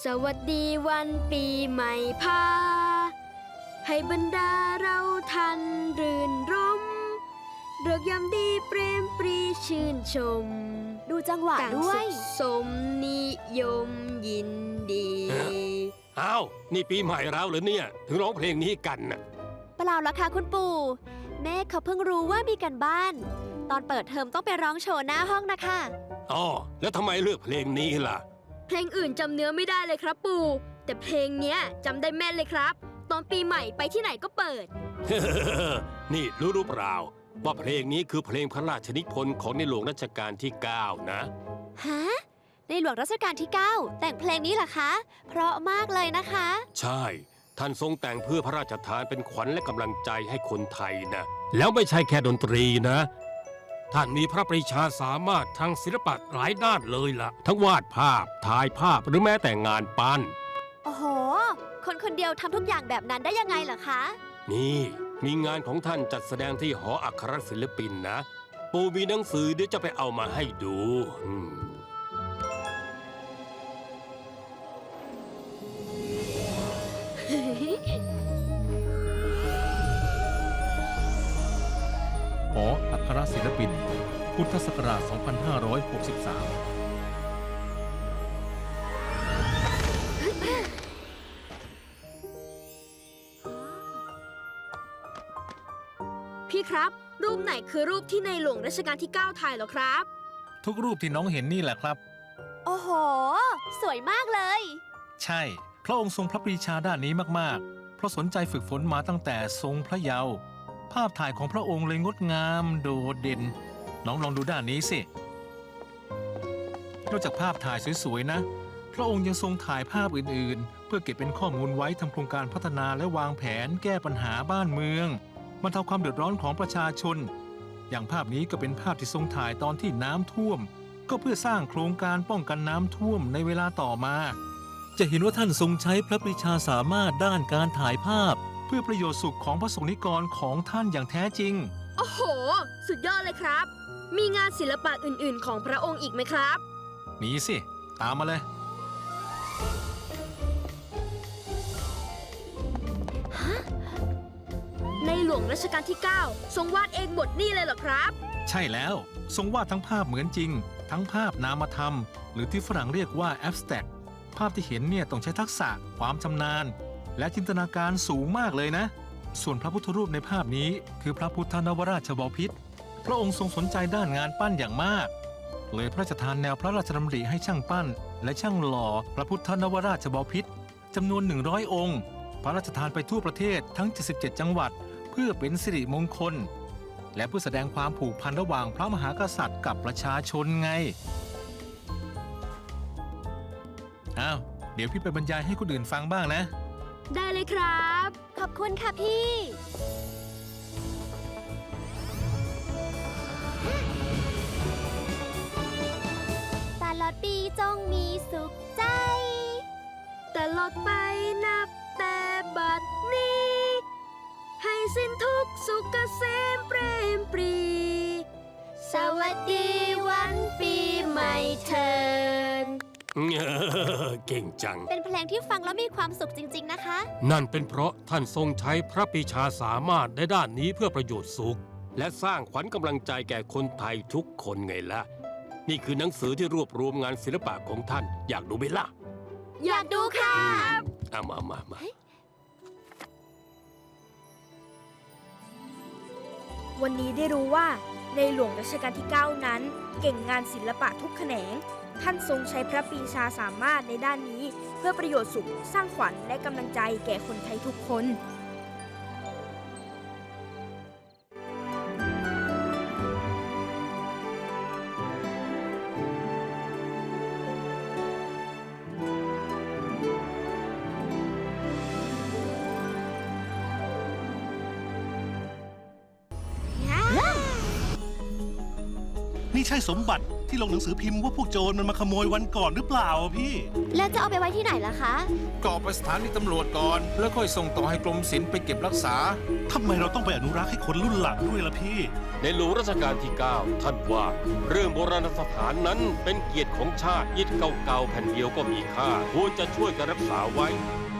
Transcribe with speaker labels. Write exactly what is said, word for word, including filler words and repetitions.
Speaker 1: สวัสดีวันปีใหม่พาให้บรรดาเราทันรื่นรมเริกยามดีเปรมปรีชื่นชม
Speaker 2: ดูจังหวะด้วย
Speaker 1: สมนิยมยินดี
Speaker 3: อ้าวนี่ปีใหม่แล้วเหรอเนี่ยถึงร้องเพลงนี้กันน่ะ
Speaker 2: เปล่าละค่ะคุณปู่แม่เขาเพิ่งรู้ว่ามีกันบ้าน ตอนเปิดเทอมต้องไปร้องโชว์หน้าห้องนะคะ
Speaker 3: อ๋อแล้วทำไมเลือกเพลงนี้ล่ะ
Speaker 1: เพลงอื่นจำเนื้อไม่ได้เลยครับปู่แต่เพลงเนี้ยจำได้แม่นเลยครับตอนปีใหม่ไปที่ไหนก็เปิด
Speaker 3: นี่รู้หรือเปล่าว่าเพลงนี้คือเพลงพระราชนิพนธ์ของในหลวงรัชกาลที่เก้านะ
Speaker 2: ฮะในหลวงรัชกาลที่เก้าแต่งเพลงนี้เหรอคะเพราะมากเลยนะคะ
Speaker 3: ใช่ท่านทรงแต่งเพื่อพระราชทานเป็นขวัญและกำลังใจให้คนไทยนะแล้วไม่ใช่แค่ดนตรีนะท่านมีพระปรีชาสามารถทางศิลปะหลายด้านเลยล่ะทั้งวาดภาพถ่ายภาพหรือแม้แต่งานปั้น
Speaker 2: โอ้โหคนคนเดียวทำทุกอย่างแบบนั้นได้ยังไงเหรอคะ
Speaker 3: นี่มีงานของท่านจัดแสดงที่หออัครศิลปินนะปู่มีหนังสือเดี๋ยวจะไปเอามาให้ดู
Speaker 4: หออัครศิลปินพุทธศักราช สองพันห้าร้อยหกสิบสาม
Speaker 1: พี่ครับรูปไหนคือรูปที่ในหลวงรัชกาลที่เก้าถ่ายเหรอครับ
Speaker 4: ทุกรูปที่น้องเห็นนี่แหละครับ
Speaker 2: โอ้โหสวยมากเลย
Speaker 4: ใช่พระองค์ทรงพระปรีชาด้านนี้มากๆเพราะสนใจฝึกฝนมาตั้งแต่ทรงพระเยาว์ภาพถ่ายของพระองค์เลยงดงามโดดเด่นน้องลองดูด้านนี้สินอกจากภาพถ่ายสวยๆนะพระองค์ยังทรงถ่ายภาพอื่นๆเพื่อเก็บเป็นข้อมูลไว้ทำโครงการพัฒนาและวางแผนแก้ปัญหาบ้านเมืองบรรเทาความเดือดร้อนของประชาชนอย่างภาพนี้ก็เป็นภาพที่ทรงถ่ายตอนที่น้ำท่วมก็เพื่อสร้างโครงการป้องกันน้ำท่วมในเวลาต่อมาจะเห็นว่าท่านทรงใช้พระปรีชาสามารถด้านการถ่ายภาพเพื่อประโยชน์สุขของพระสงฆ์นิกรของท่านอย่างแท้จริง
Speaker 1: โอ้โหสุดยอดเลยครับมีงานศิลปะอื่นๆของพระองค์อีกไหมครับ
Speaker 4: มีสิตามมาเลย
Speaker 1: ฮะในหลวงรัชกาลที่เก้าทรงวาดเองบทนี่เลยเหรอครับ
Speaker 4: ใช่แล้วทรงวาดทั้งภาพเหมือนจริงทั้งภาพนามธรรมหรือที่ฝรั่งเรียกว่า abstract ภาพที่เห็นเนี่ยต้องใช้ทักษะความชำนาญและจินตนาการสูงมากเลยนะส่วนพระพุทธรูปในภาพนี้คือพระพุทธนวราชบพิตรพระองค์ทรงสนใจด้านงานปั้นอย่างมากเลยพระราชทานแนวพระราชดำริให้ช่างปั้นและช่างหล่อพระพุทธนวราชบพิตรจำนวนหนึ่งร้อยองค์พระราชทานไปทั่วประเทศทั้งเจ็ดสิบเจ็ดจังหวัดเพื่อเป็นสิริมงคลและเพื่อแสดงความผูกพันระหว่างพระมหากษัตริย์กับประชาชนไงอ้าวเดี๋ยวพี่ไปบรรยายให้คนอื่นฟังบ้างนะ
Speaker 1: ได้เลยครับ
Speaker 2: ขอบคุณค่ะพี่ตลอดปีจงมีสุขใจ
Speaker 1: ตลอดไปนับแต่บัดนี้ให้สิ้นทุกสุขเกษมเปรมปรีสวัสดีวันปีใหม่เถิด
Speaker 3: เก่งจัง
Speaker 2: เป็นเพลงที่ฟังแล้วมีความสุขจริงๆนะคะ
Speaker 3: นั่นเป็นเพราะท่านทรงใช้พระปรีชาสามารถในด้านนี้เพื่อประโยชน์สุขและสร้างขวัญกำลังใจแก่คนไทยทุกคนไงล่ะนี่คือหนังสือที่รวบรวมงานศิลปะของท่านอยากดูไหมล่ะ
Speaker 1: อยากดูค่ะ
Speaker 3: เอามามามา
Speaker 5: วันนี้ได้รู้ว่าในหลวงรัชกาลที่เก้านั้นเก่งงานศิลปะทุกแขนงท่านทรงใช้พระปรีชาสามารถในด้านนี้เพื่อประโยชน์สุขสร้างขวัญและกำลังใจแก่คนไทยทุกคน
Speaker 4: นี่ใช่สมบัติ
Speaker 6: ที่ลงหนังสือพิมพ์ว่าพวกโจรมันมาขโมยวันก่อนหรือเปล่าอะพี่
Speaker 2: แล้วจะเอาไปไว้ที่ไหนล่ะคะ
Speaker 4: ก็เอาไปสถานีตำรวจก่อน แล้วค่อยส่งต่อให้กรมศิลป์ไปเก็บรักษา
Speaker 6: ทำไมเราต้องไปอนุรักษ์ให้คนรุ่นหลังด้วยล่ะพี่
Speaker 3: ในหลวงรัชกาลที่ เก้า ท่านว่า เรื่องโบราณสถานนั้นเป็นเกียรติของชาติอิฐเก่าๆแผ่นเดียวก็มีค่าควรจะช่วยกันรักษาไว้